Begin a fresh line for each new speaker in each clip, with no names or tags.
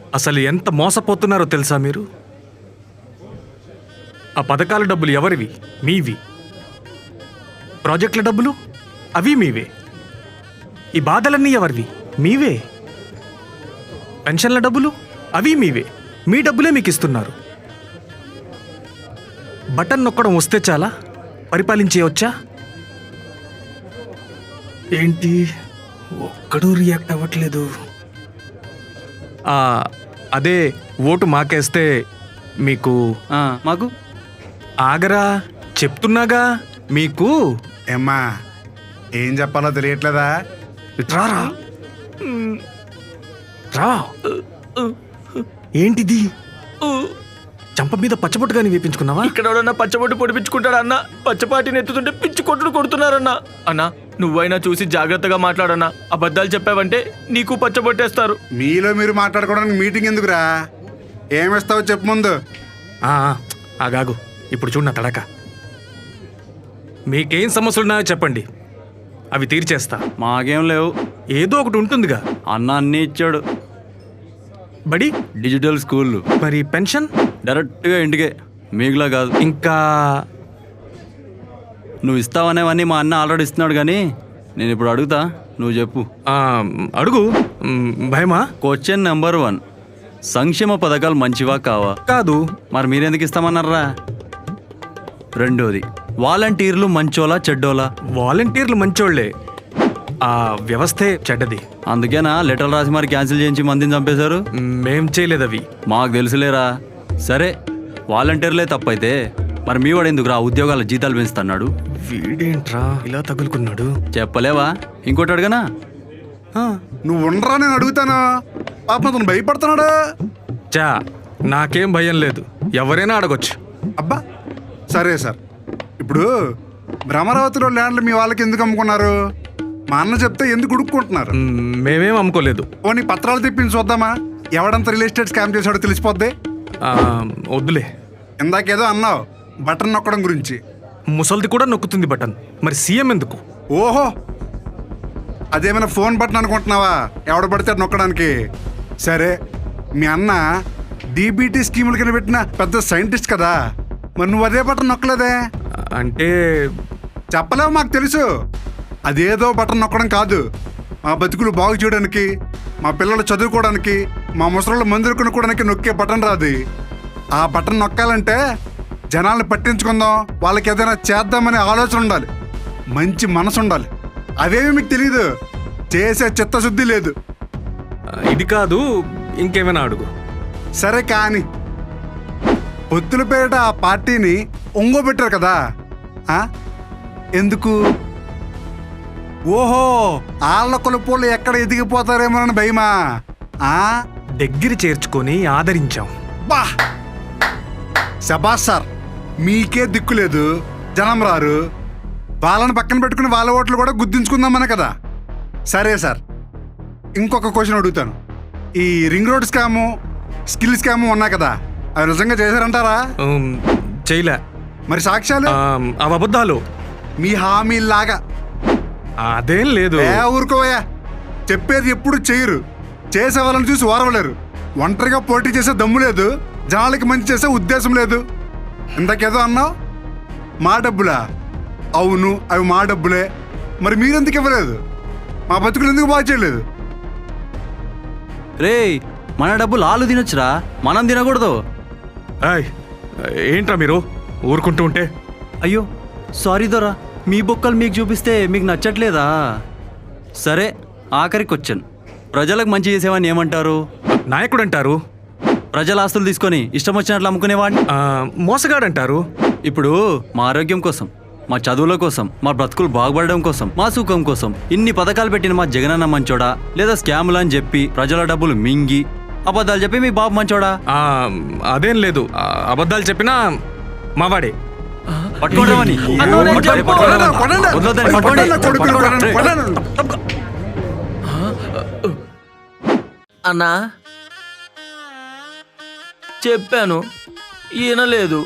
అసలు ఎంత మోసపోతున్నారో తెలుసా మీరు? ఆ పథకాల డబ్బులు ఎవరివి? మీవి. ప్రాజెక్టుల డబ్బులు అవి మీవే. ఈ బాధలన్నీ ఎవరివి? మీవే. పెన్షన్ల డబ్బులు అవి మీవే. మీ డబ్బులే మీకు ఇస్తున్నారు. బటన్ నొక్కడం వస్తే చాలా పరిపాలించేయవచ్చా? ఏంటి ఒక్కడూ రియాక్ట్ అవ్వట్లేదు? అదే ఓటు మాకేస్తే మీకు
మాకు
ఆగరా, చెప్తున్నాగా మీకు.
ఏమ్మా, ఏం చెప్పాలో తెలియట్లేదా?
రారా రా. ఏంటిది? చంప మీద పచ్చబొట్టుగాని వేపించుకున్నావా?
ఇక్కడ ఎవడన్నా పచ్చబొట్టు పొడిపించుకుంటాడా అన్న? పచ్చపాటిని ఎత్తుతుంటే పిచ్చి కొట్టుడు కొడుతున్నారన్నా. అన్నా నువ్వైనా చూసి జాగ్రత్తగా మాట్లాడన్నా. అబద్ధాలు చెప్పావంటే నీకు పచ్చబొట్టేస్తారు.
మీలో మీరు మాట్లాడుకోవడానికి మీటింగ్ ఎందుకురా? ఏమిస్తావో చెప్పు ముందు.
ఆగాగు, ఇప్పుడు చూడు నా తడక. మీకేం సమస్యలున్నాయో చెప్పండి, అవి తీర్చేస్తా.
మాకేం లేవు.
ఏదో ఒకటి ఉంటుందిగా.
అన్న అన్నీ ఇచ్చాడు.
బడి
డిజిటల్ స్కూల్,
మరి పెన్షన్
డైరెక్ట్గా ఇంటికే, మీకులా కాదు.
ఇంకా
నువ్వు ఇస్తావనేవన్నీ మా అన్న ఆల్రెడీ ఇస్తున్నాడు. కానీ నేను ఇప్పుడు అడుగుతా, నువ్వు చెప్పు.
అడుగు. భయమా?
క్వశ్చన్ నెంబర్ 1, సంక్షేమ పథకాలు మంచివా కావా?
కాదు.
మరి మీరెందుకు ఇస్తామన్నారా? రెండోది, వాలంటీర్లు మంచోలా చెడ్డోలా?
వాలంటీర్లు మంచోళ్లే, ఆ వ్యవస్థే చెడ్డది.
అందుకేనా లెటర్ రాసి మరి క్యాన్సిల్ చేయించి మందిని చంపేశారు?
మేం చేయలేదు అవి.
మాకు తెలుసులేరా. సరే, వాలంటీర్లే తప్పైతే మరి మీ వాడు ఎందుకు ఉద్యోగాల జీతాలు పెంచుతున్నాడు?
వీడేంట్రా ఇలా తగులుకున్నాడు?
చెప్పలేవా? ఇంకోటి అడగనా?
నువ్వు ఉండరా, నేను అడుగుతాను. పాపం అతను భయపడుతున్నాడు.
చా, నాకేం భయం లేదు, ఎవరైనా అడగొచ్చు.
అబ్బా సరే సార్, ఇప్పుడు భ్రమరావతిలో ల్యాండ్లు మీ వాళ్ళకి ఎందుకు అమ్ముకున్నారు? మా అన్న చెప్తే ఎందుకు ఉడుక్కుంటున్నారు?
మేమేం అమ్ముకోలేదు.
పోనీ పత్రాలు తెప్పించి చూద్దామా? ఎవడంతా రియల్ ఎస్టేట్ స్కామ్ చేశాడో తెలిసిపోద్ది.
వద్దులే.
ఇందాకేదో అన్నావు బటన్ నొక్కడం గురించి.
ముసల్ది కూడా నొక్కుతుంది బటన్, మరి సీఎం ఎందుకు?
ఓహో, అదేమైనా ఫోన్ బటన్ అనుకుంటున్నావా? ఎవడ పడితే నొక్కడానికి. సరే, మీ అన్న డీబీటీ స్కీముల కింద పెట్టిన పెద్ద సైంటిస్ట్ కదా, మరి నువ్వు అదే బటన్ నొక్కలేదే?
అంటే
చెప్పలేవు, మాకు తెలుసు. అదేదో బటన్ నొక్కడం కాదు, మా బతుకులు బాగు చేయడానికి, మా పిల్లలు చదువుకోవడానికి, మా ముసళ్ళు మందులు కొనుక్కోవడానికి నొక్కే బటన్ రాదు. ఆ బటన్ నొక్కాలంటే జనాల్ని పట్టించుకుందాం, వాళ్ళకి ఏదైనా చేద్దామనే ఆలోచన ఉండాలి, మంచి మనసు ఉండాలి. అవేమి మీకు తెలీదు, చేసే చిత్తశుద్ధి లేదు.
ఇది కాదు, ఇంకేమైనా అడుగు.
సరే కానీ పొత్తుల పేరిట ఆ పార్టీని ఒంగోబెట్టారు కదా, ఎందుకు? ఓహో, ఆళ్ళ కొలుపులు ఎక్కడ ఎదిగిపోతారేమోనని భయమా?
దగ్గర చేర్చుకొని ఆదరించాం.
బా శబాష్ సార్, మీకే దిక్కు లేదు, జనం రారు, వాళ్ళని పక్కన పెట్టుకుని వాళ్ళ ఓట్లు కూడా గుర్తించుకుందామనే కదా. సరే సార్, ఇంకొక క్వశ్చన్ అడుగుతాను. ఈ ring road scam, skill scam ఉన్నాయి కదా, అవి నిజంగా చేశారంటారా?
చేయలే.
మరి సాక్ష్యాలు?
అవి అబద్ధాలు.
మీ హామీలాగా.
అదేం లేదు.
ఊరుకోవయ్యా, చెప్పేది ఎప్పుడు చేయరు, చేసే వాళ్ళని చూసి ఓరవలేరు. ఒంటరిగా పోటీ చేసే దమ్ము లేదు, జనాలకి మంచి చేసే ఉద్దేశం లేదు. ఇంతకేదో అన్నావు, మా డబ్బులా? అవును, అవి మా డబ్బులే. మరి మీరెందుకు ఇవ్వలేదు? మా బతుకులు ఎందుకు బాగా చేయలేదు?
రే, మన డబ్బులు ఆలు తినొచ్చురా, మనం తినకూడదు.
ఏంట్రా మీరు ఊరుకుంటూ ఉంటే?
అయ్యో సారీ దొరా, మీ బొక్కలు మీకు చూపిస్తే మీకు నచ్చట్లేదా? సరే, ఆఖరి క్వశ్చన్, ప్రజలకు మంచి చేసేవాడిని ఏమంటారు?
నాయకుడు అంటారు.
ప్రజల ఆస్తులు తీసుకొని ఇష్టం వచ్చినట్లు అమ్ముకునేవాడిని
మోసగాడంటారు.
ఇప్పుడు మా ఆరోగ్యం కోసం, మా చదువుల కోసం, మా బ్రతుకులు బాగుపడడం కోసం, మా సుఖం కోసం ఇన్ని పథకాలు పెట్టిన మా జగనన్న మంచోడా, లేదా స్కాములు అని చెప్పి ప్రజల డబ్బులు మింగి అబద్ధాలు చెప్పి మీ బాబు మంచోడా?
అదేం లేదు, అబద్ధాలు చెప్పినా మావాడే.
పట్టుకోండి
అన్నా, చెప్పాను ఈయనలేదు.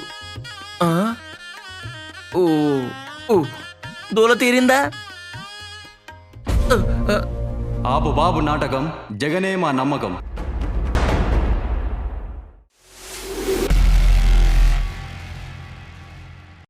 దూల తీరిందా?
ఆపు బాబు నాటకం, జగనే మా నమ్మకం.